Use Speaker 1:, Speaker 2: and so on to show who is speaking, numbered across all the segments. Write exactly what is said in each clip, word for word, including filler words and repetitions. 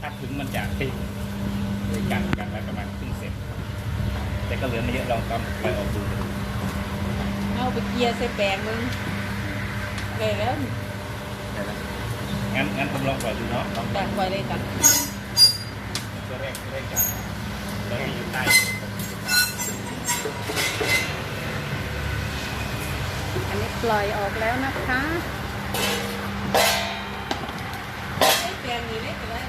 Speaker 1: ถ้าถึงมันจะติดเลยกันกันไว้ประมาณครึ่งเซนแต่ก็เหลือไม่เยอะลองตอนปล่อยออกดู
Speaker 2: เอาไปเกียร์ใส่แปลงมึงเลยแล้ว
Speaker 1: งั้นงั้นผมลองปล่อยดูเนาะลอง
Speaker 2: แปลงปล่อยเลยกัน
Speaker 1: ตัวแรกตัวแรกกันแล้วที่อยู่ใต้
Speaker 2: อันนี้ปล่อยออกแล้วนะคะแปลงนี้เล็กเลย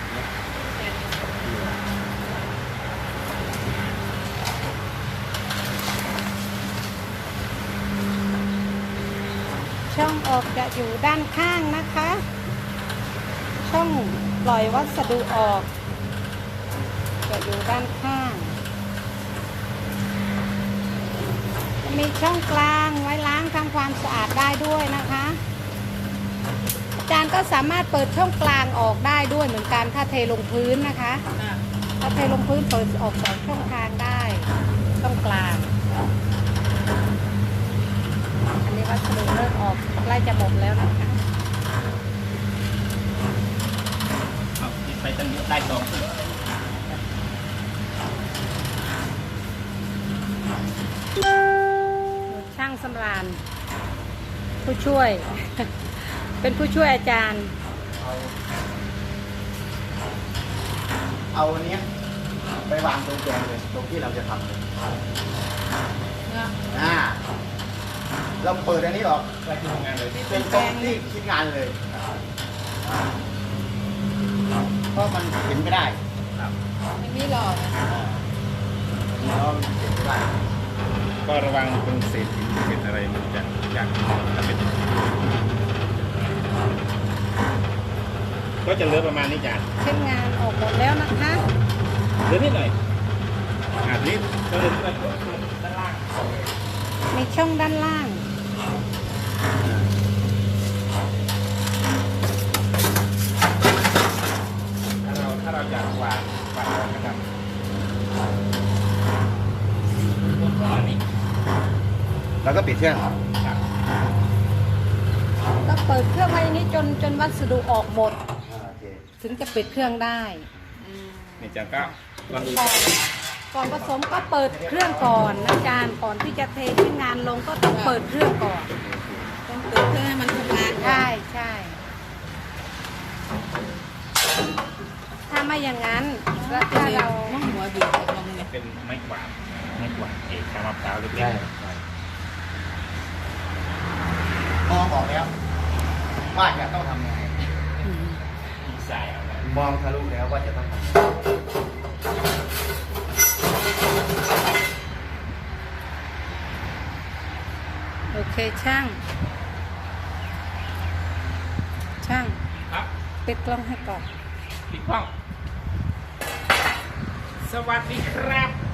Speaker 2: ช่องออกจะอยู่ด้านข้างนะคะ ช่องปล่อยวัสดุออกจะอยู่ด้านข้างมีช่องกลางไว้ล้างทำความสะอาดได้ด้วยนะคะอาจารย์ก็สามารถเปิดช่องกลางออกได้ด้วยเหมือนกันถ้าเทลงพื้นนะคะถ้าเทลงพื้นเปิดออกสองช่องทางได้ช่องกลางอันนี้วัสดุเริ่มออกใกล้จะหมดแล้วนะคะ
Speaker 1: เอาไปตั้งเยอะได้สอง
Speaker 2: ช่างสำราญผู้ช่วย เป็นผู้ช่วยอาจารย์
Speaker 3: เอาเอาอันนี้ไปวางตรงแกนเลยตรงที่เราจะทำเลยอ่าเราเปิดอันนี้ออก
Speaker 1: ไปที่ทำงานเลย
Speaker 3: เป็นตรงที่คิดงานเลยเพราะมันเห็นไม่ได้
Speaker 1: ครับ
Speaker 2: ไม่มีหลอดนะ
Speaker 3: เพราะมันเห็นไม่ได้
Speaker 1: ก็ระวังตรงเศษหินเศษอะไรมันจะอยากถ้าเป็นก็จะเหลือประมาณนี้จ้ะ
Speaker 2: เช่นงานออกหมดแล้วนะคะ
Speaker 1: เหลือนิดหน่อยอ่านี้ก็เหลือด้านล่าง
Speaker 2: มีช่องด้านล่าง
Speaker 1: ถ้าเราถ้าเราอยากวางวางออกนะครับอันนี้
Speaker 3: แล้วก็ปิดเครื่อง
Speaker 1: ครับ
Speaker 2: ก็เปิดเครื่องไว้อย่างนี้จนจนวัสดุออกหมด
Speaker 3: โอเค
Speaker 2: ถึงจะปิดเครื่องได้อืม
Speaker 1: นี่จะก็ลองดู
Speaker 2: ก่อนก่อนผสมก็เปิดเครื่องก่อนนะอาจารย์ก่อนที่จะเทชิ้นงานลงก็ต้องเปิดเครื่องก่อนต้องเปิดเครื่องให้มันทำงานใช่ใช่ถ้าไม่อย่างนั้นแล้วถ้าเราหัวบีบลงเนี่ย
Speaker 1: เป็นไม้กวาดไม้กวาดเอกชามะพร้าวเล็ก
Speaker 3: ใช่มองออกแล้วว่าจะต้องทำยังไง
Speaker 1: ๆดีไซน์เอานะ
Speaker 3: มองทะลุแล้วว่าจะต้องทำยังไง
Speaker 2: โอเคช่าง ช่าง
Speaker 1: ครับ
Speaker 2: ปิดกล้องให้ก่อน
Speaker 1: ปิดกล้องสวัสดีครับ